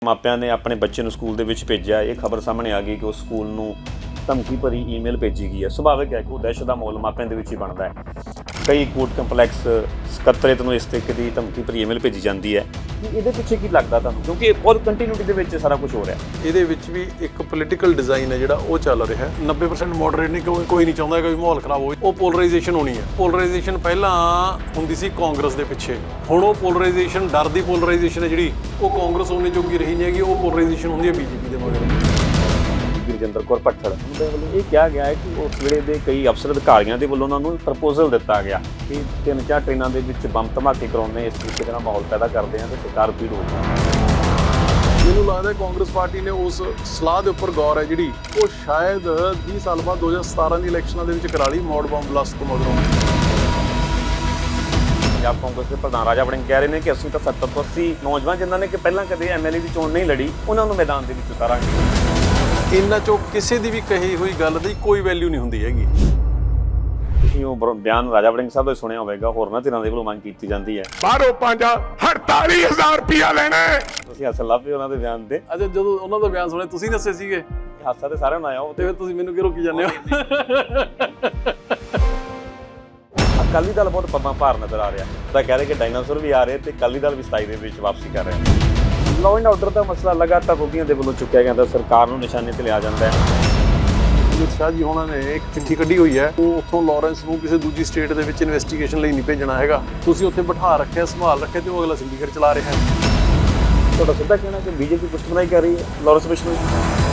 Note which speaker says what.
Speaker 1: ਮਾਪਿਆਂ ਨੇ ਆਪਣੇ ਬੱਚੇ ਨੂੰ ਸਕੂਲ ਦੇ ਵਿੱਚ ਭੇਜਿਆ। ਇਹ ਖਬਰ ਸਾਹਮਣੇ ਆ ਗਈ ਕਿ ਉਸ ਸਕੂਲ ਨੂੰ ਧਮਕੀ ਭਰੀ ਈਮੇਲ ਭੇਜੀ ਗਈ ਹੈ। ਸੁਭਾਵਿਕ ਹੈ ਕਿ ਉਹ ਦਹਿਸ਼ਤ ਦਾ ਮਾਹੌਲ ਮਾਪਿਆਂ ਦੇ ਵਿੱਚ ਹੀ ਬਣਦਾ ਹੈ। ਕਈ ਕੋਰਟ ਕੰਪਲੈਕਸ ਸਕੱਤਰੇਤ ਨੂੰ ਇਸ ਤਰੀਕੇ ਦੀ ਧਮਕੀ ਭਰੀ ਈਮੇਲ ਭੇਜੀ ਜਾਂਦੀ ਹੈ। ਇਹਦੇ ਪਿੱਛੇ ਕੀ ਲੱਗਦਾ ਤੁਹਾਨੂੰ, ਕਿਉਂਕਿ ਇਹ ਬਹੁਤ ਕੰਟੀਨਿਊਟੀ ਦੇ ਵਿੱਚ ਸਾਰਾ ਕੁਝ ਹੋ ਰਿਹਾ।
Speaker 2: ਇਹਦੇ ਵਿੱਚ ਵੀ ਇੱਕ ਪੋਲੀਟੀਕਲ ਡਿਜ਼ਾਈਨ ਹੈ ਜਿਹੜਾ ਉਹ ਚੱਲ ਰਿਹਾ ਹੈ। 90% ਮੋਡਰੇਟ ਨਹੀਂ, ਕੋਈ ਨਹੀਂ ਚਾਹੁੰਦਾ ਕਿ ਮਾਹੌਲ ਖਰਾਬ ਹੋਵੇ। ਉਹ ਪੋਲਰਾਈਜੇਸ਼ਨ ਹੋਣੀ ਹੈ। ਪੋਲਰਾਈਜੇਸ਼ਨ ਪਹਿਲਾਂ ਹੁੰਦੀ ਸੀ ਕਾਂਗਰਸ ਦੇ ਪਿੱਛੇ, ਹੁਣ ਉਹ ਪੋਲਰਾਈਜੇਸ਼ਨ ਡਰ ਦੀ ਪੋਲਰਾਈਜੇਸ਼ਨ ਹੈ ਜਿਹੜੀ ਉਹ ਕਾਂਗਰਸ ਉਹਨੇ ਜੋਗੀ ਰਹੀ ਨਹੀਂ ਹੈਗੀ। ਉਹ ਪੋਲਰਾਈਜੇਸ਼ਨ ਹੁੰਦੀ ਹੈ ਬੀਜੇਪੀ ਦੇ ਮਗਰ।
Speaker 1: ਗੁਰਜਿੰਦਰ ਕੌਰ ਭੱਠੜ ਦੇ ਵੱਲੋਂ ਇਹ ਕਿਹਾ ਗਿਆ ਹੈ ਕਿ ਉਸ ਵੇਲੇ ਦੇ ਕਈ ਅਫਸਰ ਅਧਿਕਾਰੀਆਂ ਦੇ ਵੱਲੋਂ ਉਹਨਾਂ ਨੂੰ ਪ੍ਰਪੋਜ਼ਲ ਦਿੱਤਾ ਗਿਆ ਕਿ 3-4 ਟ੍ਰੇਨਾਂ ਦੇ ਵਿੱਚ ਬੰਬ ਧਮਾਕੇ ਕਰਾਉਂਦੇ, ਇਸ ਤਰੀਕੇ ਦੇ ਨਾਲ ਮਾਹੌਲ ਪੈਦਾ ਕਰਦੇ ਆ ਤੇ ਸਰਕਾਰ ਪੀੜ ਹੋ ਗਈ।
Speaker 2: ਮੈਨੂੰ ਲੱਗਦਾ ਕਾਂਗਰਸ ਪਾਰਟੀ ਨੇ ਉਸ ਸਲਾਹ ਦੇ ਉੱਪਰ ਗੌਰ ਹੈ ਜਿਹੜੀ ਉਹ ਸ਼ਾਇਦ 20 ਸਾਲ ਬਾਅਦ 2017 ਦੀ ਇਲੈਕਸ਼ਨਾਂ ਦੇ ਵਿੱਚ ਕਰਾ ਲਈ ਮੋਡ ਬੰਬ ਬਲਾਸਟ ਤੋਂ ਮਗਰੋਂ।
Speaker 1: ਪੰਜਾਬ ਕਾਂਗਰਸ ਦੇ ਪ੍ਰਧਾਨ ਰਾਜਾ ਵੜਿੰਗ ਕਹਿ ਰਹੇ ਨੇ ਕਿ ਅਸੀਂ ਤਾਂ 70 ਤੋਂ 80 ਨੌਜਵਾਨ ਜਿਨ੍ਹਾਂ ਨੇ ਕਿ ਪਹਿਲਾਂ ਕਦੇ ਐਮਐਲਏ ਦੀ ਚੋਣ ਨਹੀਂ ਲੜੀ, ਉਹਨਾਂ ਨੂੰ ਮੈਦਾਨ ਦੇ ਵਿੱਚ ਉਤਾਰਾਂਗੇ।
Speaker 2: ਇਹਨਾਂ ਚੋਂ ਕਿਸੇ ਦੀ ਵੀ ਕਹੀ ਹੋਈ ਗੱਲ ਦੀ ਕੋਈ ਵੈਲਿਊ ਨਹੀਂ ਹੁੰਦੀ ਹੈਗੀ।
Speaker 1: ਤੁਸੀਂ ਉਹ ਬਿਆਨ ਰਾਜਾ ਵੜਿੰਗ ਸਾਹਿਬ ਦਾ ਸੁਣਿਆ ਹੋਵੇਗਾ। ਹੋਰਨਾਂ ਧਿਰਾਂ ਦੇ ਵੱਲੋਂ ਮੰਗ ਕੀਤੀ ਜਾਂਦੀ ਹੈ
Speaker 3: ਬਾਹਰੋਂ 48,000 ਰੁਪਇਆ ਲੈਣਾ।
Speaker 1: ਤੁਸੀਂ ਅਸਲ ਲੱਭੇ ਉਹਨਾਂ ਦੇ ਬਿਆਨ ਤੇ।
Speaker 2: ਅੱਛਾ, ਜਦੋਂ ਉਹਨਾਂ ਦਾ ਬਿਆਨ ਸੁਣਿਆ ਤੁਸੀਂ ਦੱਸੇ ਸੀਗੇ?
Speaker 1: ਹਾਸਾ ਤੇ ਸਾਰਿਆਂ ਨੂੰ ਆਇਆ। ਉਹ
Speaker 2: ਤੇ ਫਿਰ ਤੁਸੀਂ ਮੈਨੂੰ ਕਿਉਂ ਰੋਕੀ ਜਾਂਦੇ ਹੋ?
Speaker 1: ਅਕਾਲੀ ਦਲ ਬਹੁਤ ਪੱਬਾਂ ਭਾਰ ਨਜ਼ਰ ਆ ਰਿਹਾ। ਤਾਂ ਕਹਿ ਰਹੇ ਕਿ ਡਾਇਨਾਸੌਰ ਵੀ ਆ ਰਹੇ ਤੇ ਅਕਾਲੀ ਦਲ ਵੀ 27 ਦੇ ਵਿੱਚ ਵਾਪਸੀ ਕਰ ਰਿਹਾ। ਲਾਅ ਐਂਡ ਆਰਡਰ ਦਾ ਮਸਲਾ ਲਗਾਤਾਰ ਰੋਗੀਆਂ ਦੇ ਵੱਲੋਂ ਚੁੱਕਿਆ ਜਾਂਦਾ, ਸਰਕਾਰ ਨੂੰ ਨਿਸ਼ਾਨੇ ਤੇ ਲਿਆ ਜਾਂਦਾ ਹੈ।
Speaker 2: ਅਮਿਤ ਸ਼ਾਹ ਜੀ ਹੋਣਾ ਨੇ ਇੱਕ ਚਿੱਠੀ ਕੱਢੀ ਹੋਈ ਹੈ, ਉਹ ਉੱਥੋਂ ਲਾਰੈਂਸ ਨੂੰ ਕਿਸੇ ਦੂਜੀ ਸਟੇਟ ਦੇ ਵਿੱਚ ਇਨਵੈਸਟੀਗੇਸ਼ਨ ਲਈ ਨਹੀਂ ਭੇਜਣਾ ਹੈਗਾ। ਤੁਸੀਂ ਉੱਥੇ ਬਿਠਾ ਰੱਖਿਆ, ਸੰਭਾਲ ਰੱਖਿਆ ਤੇ ਉਹ ਅਗਲਾ ਸਿੰਡੀਕੇਟ ਚਲਾ ਰਿਹਾ ਹੈ।
Speaker 1: ਤੁਹਾਡਾ ਸਿੱਧਾ ਕਹਿਣਾ ਕਿ ਬੀਜੇਪੀ ਪੁਸ਼ਤਨਾਈ ਕਰ ਰਹੀ ਹੈ ਲਾਰੈਂਸ ਬਿਸ਼ਨੋਈ।